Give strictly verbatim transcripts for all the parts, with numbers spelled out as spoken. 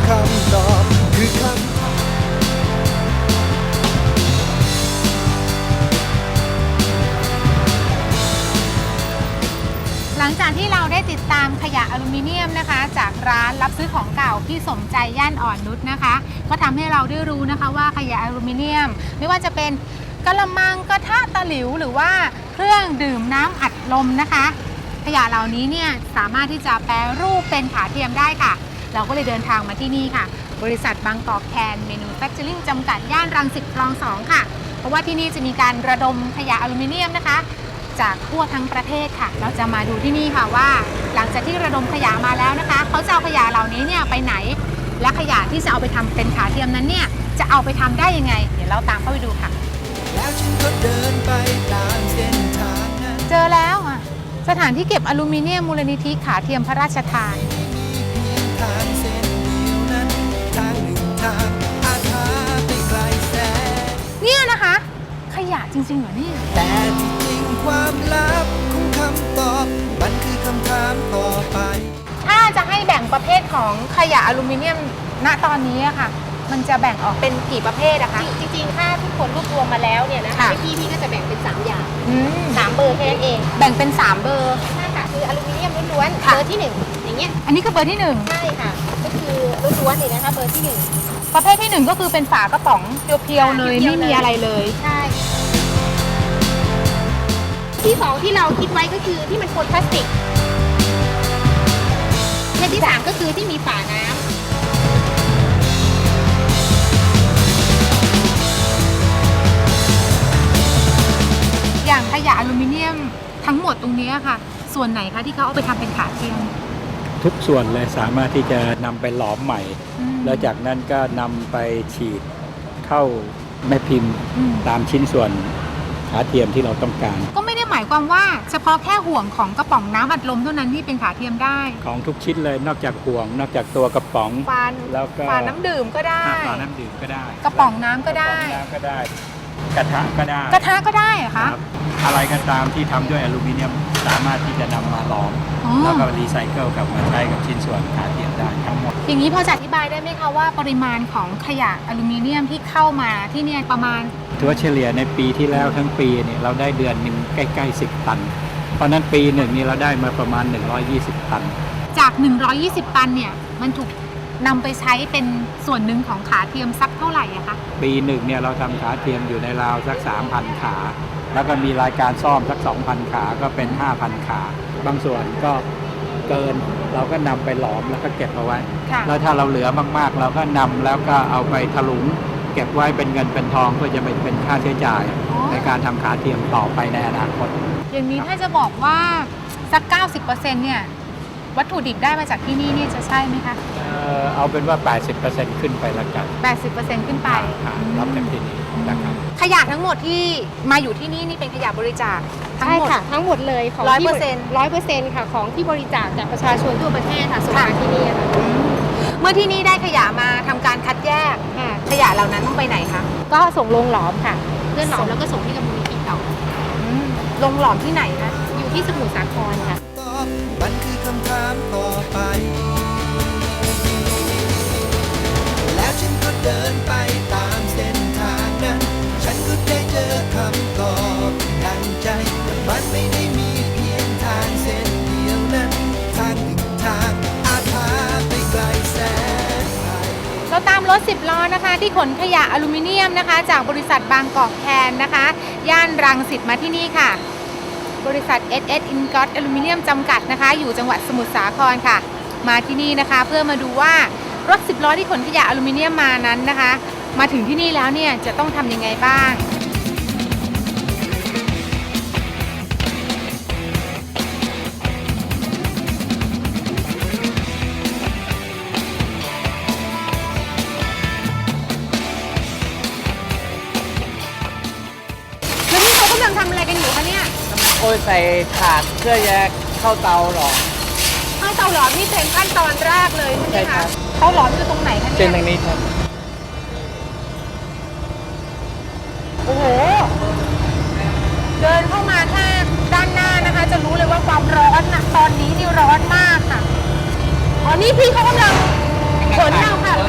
คำตอบคือคำหลังจากที่เราได้ติดตามขยะอลูมิเนียมนะคะจากร้านรับซื้อของเก่าพี่สมใจย่านอ่อนนุชนะคะก็ทำให้เราได้รู้นะคะว่าขยะอลูมิเนียมไม่ว่าจะเป็นกระมังกระทะตะหลิวหรือว่าเครื่องดื่มน้ำอัดลมนะคะขยะเหล่านี้เนี่ยสามารถที่จะแปรรูปเป็นขาเทียมได้ค่ะเราก็เลยเดินทางมาที่นี่ค่ะบริษัทบางกอกแคนเมนูแฟคเจอริ่งจำกัดย่านรังสิตคลองสองค่ะเพราะว่าที่นี่จะมีการระดมขยะอลูมิเนียมนะคะจากทั่วทั้งประเทศค่ะเราจะมาดูที่นี่ค่ะว่าหลังจากที่ระดมขยะมาแล้วนะคะเขาจะเอาขยะเหล่านี้เนี่ยไปไหนและขยะที่จะเอาไปทำเป็นขาเทียมนั้นเนี่ยจะเอาไปทำได้ยังไงเดี๋ยวเราตามเข้าไปดูค่ะแล้วฉันก็เดินไปตามเส้นทางนั้นเจอแล้วอ่ะสถานที่เก็บอลูมิเนียมมูลนิธิขาเทียมพระราชทานทางเส้นเดียวนั้นทางหนึ่งทางอาคาไปไกลแสนเนี่ยนะคะขยะจริงๆเหรอเนี่ยแต่ที่จริงความลับของคำตอบมันคือคำถามต่อไปถ้าจะให้แบ่งประเภทของขยะอลูมิเนียมณตอนนี้อะค่ะมันจะแบ่งออกเป็นกี่ประเภทอะคะจริงๆถ้าทุกคนรวบรวมมาแล้วเนี่ยนะพี่พี่ก็จะแบ่งเป็นสามอย่างสามเบอร์แค่นั้นเองแบ่งเป็นสามเบอร์ใช่ค่ะคืออลูมิเนียมล้วนๆเบอร์ที่หนึ่งอย่างเงี้ยอันนี้คือเบอร์ที่หนึ่งใช่ค่ะก็คือล้วนๆเลยนะคะเบอร์ที่หนึ่งประเภทที่หนึ่งก็คือเป็นฝากระป๋องเพียวๆเลยไม่มีอะไรเลยใช่ที่สองที่เราคิดไว้ก็คือที่มันปนพลาสติกและที่สามก็คือที่มีฝาน้ำอย่างขยะอลูมิเนียมทั้งหมดตรงนี้ค่ะส่วนไหนคะที่เขาเอาไปทำเป็นขาเทียมทุกส่วนเลยสามารถที่จะนำไปหลอมใหม่แล้วจากนั้นก็นำไปฉีดเข้าแม่พิมพ์ตามชิ้นส่วนขาเทียมที่เราต้องการก็ไม่ได้หมายความว่าเฉพาะแค่ห่วงของกระป๋องน้ำอัดลมเท่านั้นที่เป็นขาเทียมได้ของทุกชิ้นเลยนอกจากห่วงนอกจากตัวกระป๋องฝาแล้วก็ฝาน้ำดื่มก็ได้ฝาน้ำดื่มก็ได้กระป๋องน้ำก็ได้น้ำก็ได้กระทะก็ได้กระทะก็ได้เหรอคะอะไรก็ตามที่ทำด้วยอลูมิเนียมสามารถที่จะนำมาหลอมแล้วก็รีไซเคิลกลับมาใช้กับชิ้นส่วนขาเทียมได้ทั้งหมดอย่างนี้พอจะอธิบายได้ไหมคะว่าปริมาณของขยะอลูมิเนียมที่เข้ามาที่เนี่ยประมาณถือว่าเฉลี่ยในปีที่แล้วทั้งปีเนี่ยเราได้เดือนหนึ่งใกล้ๆสิบตันเพราะนั้นปีหนึ่งนี้เราได้มาประมาณหนึ่งร้อยยี่สิบตันจากหนึ่งร้อยยี่สิบตันเนี่ยมันถูกนำไปใช้เป็นส่วนหนึ่งของขาเทียมสักเท่าไหร่อะคะปีหนึ่งเนี่ยเราทำขาเทียมอยู่ในราวสัก สามพัน ขาแล้วก็มีรายการซ่อมสัก สองพัน ขาก็เป็น ห้าพัน ขาบางส่วนก็เกินเราก็นำไปหลอมแล้วก็เก็บเอาไว้แล้วถ้าเราเหลือมากๆเราก็นำแล้วก็เอาไปถลุงเก็บไว้เป็นเงินเป็นทองเพื่อจะไปเป็นค่าใช้จ่ายในการทำขาเทียมต่อไปในอนาคตอย่างนี้ถ้าจะบอกว่าสัก เก้าสิบเปอร์เซ็นต์ เนี่ยวัตถุดิบได้มาจากที่นี่นี่จะใช่ไหมคะเออเอาเป็นว่า แปดสิบเปอร์เซ็นต์ ขึ้นไปละกันแปดสิบเปอร์เซ็นต์ ขึ้นไปรับจากที่นี่นะครับขยะทั้งหมดที่มาอยู่ที่นี่นี่เป็นขยะบริจาคทั้งหมดค่ะทั้งหมดเลยของร้อยเปอร์เซ็นต์ร้อยเปอร์เซ็นต์ค่ะของที่บริจาคจากประชาชนทั่วประเทศค่ะส่งมาที่นี่ค่ะเมื่อที่นี่ได้ขยะมาทำการคัดแยกขยะเหล่านั้นต้องไปไหนคะก็ส่งลงหลอมค่ะเพื่อหลอมแล้วก็ส่งที่กำมะนิธิต่อลงหลอมที่ไหนคะอยู่ที่สมุทรสาครค่ะมันคือคำถามต่อไปแล้วฉันก็เดินไปตามเส้นทางนั้นฉันก็ได้เจอคำตอบดังใจแต่มันไม่ได้มีเพียงทางเส้นเดียวนั้นทางหนึ่งทางอาจพาไปไกลแสนไกลเราตามรถสิบล้อนะคะที่ขนขยะอลูมิเนียมนะคะจากบริษัทบางกอกแคนนะคะย่านรังสิตมาที่นี่ค่ะบริษัท เอส เอส Ingot อลูมิเนียมจำกัดนะคะอยู่จังหวัดสมุทรสาครค่ะมาที่นี่นะคะเพื่อมาดูว่ารถสิบล้อที่ขนขยะอลูมิเนียมมานั้นนะคะมาถึงที่นี่แล้วเนี่ยจะต้องทำยังไงบ้างแล้วนี่เขากำลังทำอะไรกันอยู่คะเนี่ยโอ้ยใส่ถาดเพื่อจะเข้าเตาหรอเข้าเตาหลอมนี่เป็นขั้นตอนแรกเลยใช่ไหมคะเตาหลอมอยู่ตรงไหนคะเนี่ยเป็นตรงนี้ครับโอ้โหเดินเข้ามาถ้าด้านหน้านะคะจะรู้เลยว่าความร้อนนะตอนนี้นี่ร้อนมากค่ะอ๋อนี่พี่เขากำลังขนเอาค่ะ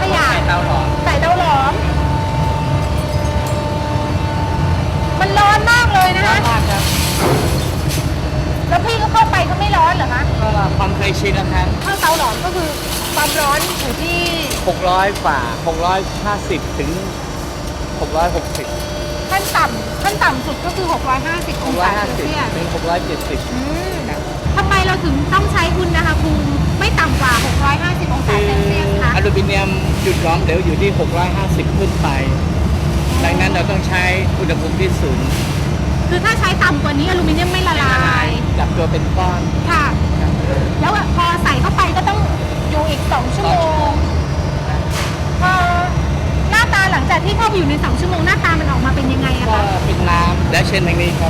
เลยนะร้อนคะมากครับแล้วพี่ก็เข้าไปก็ไม่ร้อนเหรอคะก็ความเคยชินนะครับเข้าเตาหลอมก็คือความร้อนอยู่ที่หกร้อยฝ่าหกร้อยห้าสิบถึงหกร้อยหกสิบขั้นต่ำขั้นต่ำสุดก็คือ หกร้อยห้าสิบหองกร้อศายห้าเซลสิบเซียสถึงหกร้อยเจ็ดสิบอืมทำไมเราถึงต้องใช้อุณหภูมิไม่ต่ำกว่า หกร้อยห้าสิบ องศาคือเซลเซียสคะอลูมิเนียมจุดหลอมเหลวอยู่ที่หกร้อยห้าสิบขึ้นไป ดังนั้นเราต้องใช้อุณหภูมิที่สูงคือถ้าใช้ต่ำกว่านี้อลูมิเนียมไม่ละลายจับตัวเป็นก้อนค่ะ แล้วพอใส่เข้าไปก็ต้องอยู่อีก สอง ชั่วโมงพอหน้าตาหลังจากที่เข้าไปอยู่ใน สอง ชั่วโมงหน้าตามันออกมาเป็นยังไงอะก็คะเป็นน้ำและเช่นอย่างนี้ครับ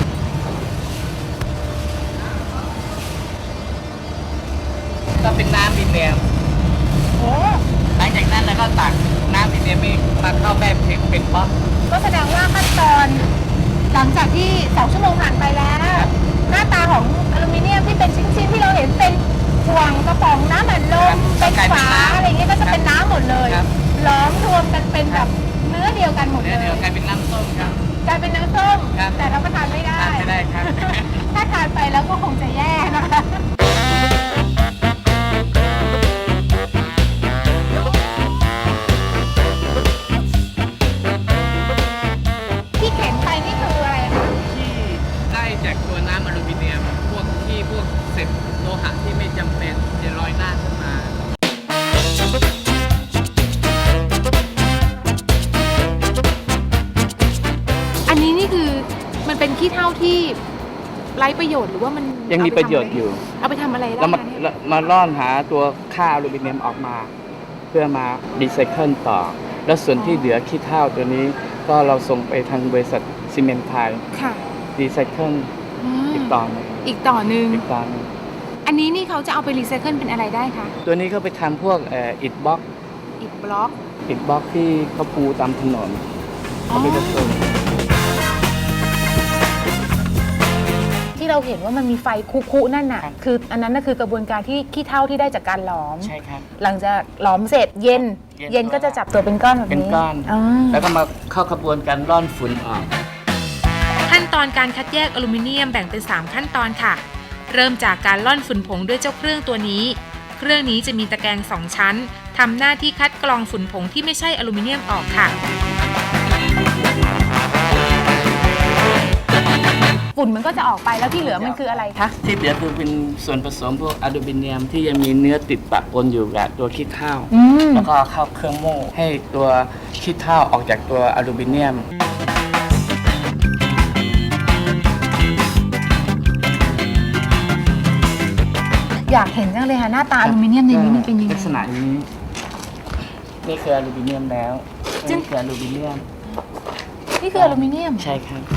ก็เป็นน้ำมิเนียมโอ้หลังจากนั้นเราก็ตักน้ำมิเนียมนี้มาเข้าแบบเพเป็นบล็อกก็แสดงว่าขั้นตอนหลังจากที่ สอง ชั่วโมงผ่านไปแล้ว หน้าตาของอลูมิเนียมที่เป็นชิ้นๆที่เราเห็นเป็นห่วงกระป๋องน้ำอัดลมเป็นฝาอะไรอย่างเงี้ยก็จะเป็นน้ำหมดเลยล้อมรวมกันเป็นแบบเนื้อเดียวกันหมดเลเดี๋ยวย เดี๋ยวกลายเป็นน้ำส้มครับกลายเป็นน้ำส้มครับแต่เราก็ทานไม่ได้ทานไม่ได้ครับถ้าทานไปแล้วก็คงจะแย่นะคะ ที่เข็นไปนี่คืออะไรคะที่ได้จากตัวน้ำอลูมิเนียม พวกที่พวกเศษโลหะที่ไม่จำเป็นจะลอยหน้าขึ้นมาอันนี้นี่คือมันเป็นขี้เถ้าที่ไร้ประโยชน์หรือว่ามันยังมีเาไประโยชน์อยู่เอาไปทำอะไรได้เรามาคะเนี่ยเรามาล่อนหาตัวค่าอลูมิเนียมออกมา เพื่อมารีไซเคิลต่อ แล้วส่วนที่เหลือขี้เถ้าตัวนี้ก็เราส่งไปทางบริษัทซีเมนต์ไทยค่ะรีไซเคิลอืมอีกต่อหนึงอีกต่อหนึ่งอีกต่อหนึงอันนี้นี่เขาจะเอาไปรีไซเคิลเป็นอะไรได้คะตัวนี้ก็ไปทำพวกเอ่ออิฐบล็อกอิฐบล็อกอิฐบล็อกที่เขาปูตามถนนเขาไปผสมที่เราเห็นว่ามันมีไฟคุๆนั่นน่ะ คืออันนั้นน่ะคือกระบวนการที่ขี้เถ้าที่ได้จากการหลอมใช่ครับหลังจากหลอมเสร็จเย็นเย็นเย็นก็จะจับตัวเป็นก้อนแบบนี้เป็นก้อนอ่าแล้วก็มาเข้าขบวนการร่อนฝุ่นออกขั้นตอนการคัดแยกอลูมิเนียมแบ่งเป็น สาม ขั้นตอนค่ะ เริ่มจากการล่อนฝุ่นผงด้วยเจ้าเครื่องตัวนี้ เครื่องนี้จะมีตะแกรงสองชั้นทำหน้าที่คัดกรองฝุ่นผงที่ไม่ใช่อลูมิเนียมออกค่ะฝุ่นมันก็จะออกไปแล้วที่เหลือมันคืออะไรคะที่เหลือคือเป็นส่วนผสมพวกอลูมิเนียมที่ยังมีเนื้อติดปะปนอยู่กับตัวขี้เถ้าอืมแล้วก็เข้าเครื่องโม่ให้ตัวขี้เถ้าออกจากตัวอลูมิเนียมอยากเห็นจังเลยค่ะหน้าตาอลูมิเนียมในนี้มันเป็นยังไงลักษณะนี้ นี่คืออลูมิเนียมแล้วจึ๊งนี่คืออลูมิเนียมนี่คืออลูมิเนียมใช่ครับ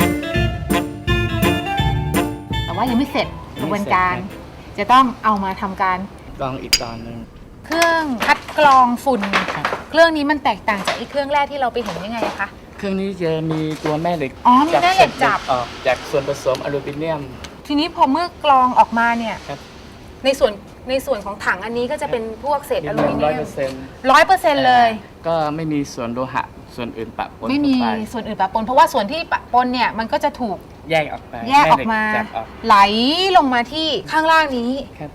แต่ว่ายังไม่เสร็จกระบวนการไม่เสร็จจะต้องเอามาทำการกรองอีกตอนหนึ่งเครื่องคัดกรองฝุ่น เครื่องนี้มันแตกต่างจากไอ้เครื่องแรกที่เราไปเห็นยังไงคะเครื่องนี้จะมีตัวแม่เหล็กอ๋อมีแม่เหล็กจับออกจากส่วนผสมอลูมิเนียมทีนี้พอเมื่อกรองออกมาเนี่ยครับในส่วนในส่วนของถังอันนี้ก็จะเป็นพวกเศษอลูมิเนีร้อยยเปมอร์เซ็นต์ร้อยเปอร์เซ็นต์เลยก็ไม่มีส่วนโลหะส่วนอื่นปะปนไม่มีเข้าปส่วนอื่นปะปนเพราะว่าส่วนที่ปะปนเนี่ยมันก็จะถูกแยกออกไปแยกออกมาแเหล็จับออกไหลลงมาที่ข้างล่างนี้ครับ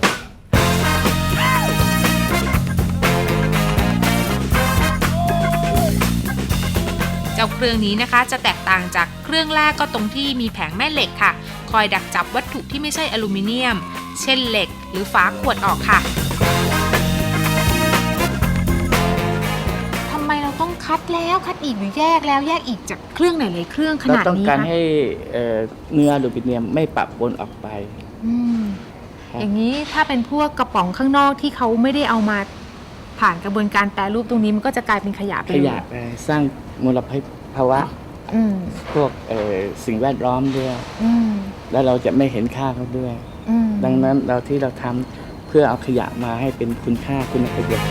เจ้าเครื่องนี้นะคะจะแตกต่างจากเครื่องแรกก็ตรงที่มีแผงแม่เหล็กค่ะ คอยดักจับวัตถุที่ไม่ใช่อลูมิเนียม เช่นเหล็กหรือฝาขวดออกค่ะทำไมเราต้องคัดแล้วคัดอีกหรือแยกแล้วแยกอีกจากเครื่องไหนหลายเครื่องขเรานาดต้องนี้การคะให้เอ่อเนื้ออลูมิเนียมไม่ปะปนออกไปอืมครับอย่างนี้ถ้าเป็นพวกกระป๋องข้างนอกที่เขาไม่ได้เอามาผ่านกระบวนการแปรรูปตรงนี้มันก็จะกลายเป็นขยะไปขเลยยะไปสร้างมลภาวะอืมพวกเอ่อสิ่งแวดล้อมด้วยอืมแล้วเราจะไม่เห็นค่าเขาด้วยอืมดังนั้นเราที่เราทำเพื่อเอาขยะมาให้เป็นคุณค่าคุณประโยชน์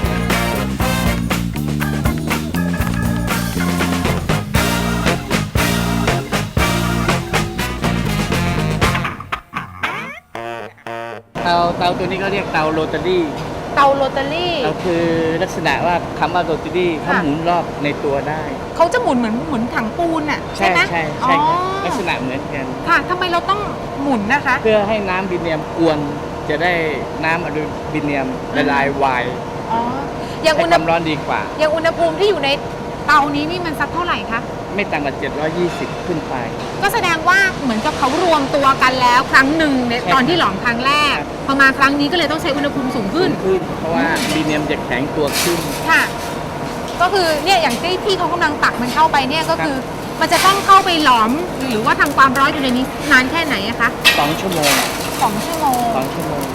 เตาเตาตัวนี้ก็เรียกเตาโรตารี่เตาโรตารี่เราคือลักษณะว่าคำว่าโรตารี่เขาค่ะหมุนรอบในตัวได้เขาจะหมุนเหมือนเหมือนถังปูนอ่ะใช่ไหมใช่ใช่ครับอ๋อลักษณะเหมือนกันค่ะทำไมเราต้องหมุนนะคะเพื่อให้น้ำบิเนียมกวนจะได้น้ำอลูมิเนียมละลายไวอ๋ออย่างให้อุณคหวามร้อนดีกว่าอย่างอุณหภูมิที่อยู่ในเตานี้นี่มันสักเท่าไหร่คะไม่ต่ำกว่าเจ็ดร้อยยี่สิบขึ้นไปก็แสดงว่าเหมือนกับเขารวมตัวกันแล้วครั้งหนึ่งในใช่ตอนที่หลอมครั้งแรกครับพอมาครั้งนี้ก็เลยต้องใช้อุณหภูมิสูงขึ้นขึ้น เพราะว่าบิเนียมจะแข็งตัวขึ้นค่ะ ก็คือเนี่ยอย่างที่พี่เขากำลังตักมันเข้าไปเนี่ยก็คือ มันจะต้องเข้าไปหลอมหรือว่าทำความร้อนอยู่ในนี้นานแค่ไหนอะคะสองชั่วโมงสองชั่วโมงสองชั่วโมง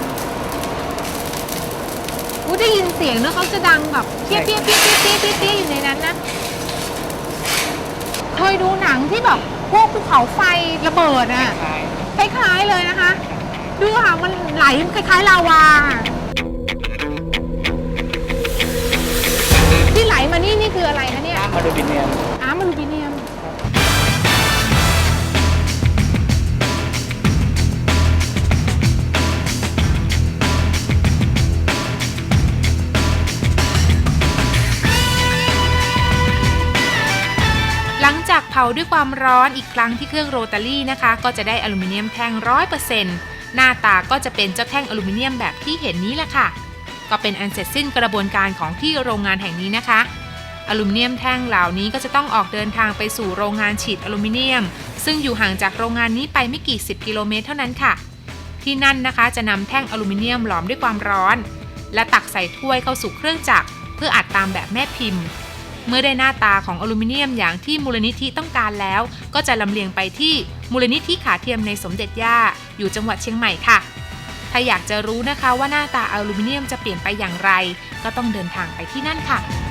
อู้ได้ยินเสียงเนอะเขาจะดังแบบเปี้ยใช่เปี้ยเปี้ยเปี้ยเปี้ยเปี้ยอยู่ในนั้นนะเคยดูหนังที่แบบพวกภูเขาไฟระเบิดอะคล้ายคล้ายๆเลยนะคะ ดูค่ะมันไหลคล้ายๆลาวาที่ไหลมานี่นี่คืออะไรคะเนี่ยน้ำอลูมิเนียมอ้ามอลูมิเนียมหลังจากเผาด้วยความร้อนอีกครั้งที่เครื่องโรตารี่นะคะ ก็จะได้อลูมิเนียมแท่ง ร้อยเปอร์เซ็นต์ หน้าตาก็จะเป็นเจ้าแท่งอลูมิเนียมแบบที่เห็นนี้แหละค่ะ ก็เป็นอันเสร็จสิ้นกระบวนการของที่โรงงานแห่งนี้นะคะอลูมิเนียมแท่งเหล่านี้ก็จะต้องออกเดินทางไปสู่โรงงานฉีดอลูมิเนียมซึ่งอยู่ห่างจากโรงงานนี้ไปไม่กี่สิบกิโลเมตรเท่านั้นค่ะที่นั่นนะคะจะนำแท่งอลูมิเนียมหลอมด้วยความร้อนและตักใส่ถ้วยเข้าสู่เครื่องจักรเพื่ออัดตามแบบแม่พิมพ์เมื่อได้หน้าตาของอลูมิเนียมอย่างที่มูลนิธิต้องการแล้วก็จะลำเลียงไปที่มูลนิธิขาเทียมในสมเด็จย่าอยู่จังหวัดเชียงใหม่ค่ะถ้าอยากจะรู้นะคะว่าหน้าตาอลูมิเนียมจะเปลี่ยนไปอย่างไรก็ต้องเดินทางไปที่นั่นค่ะ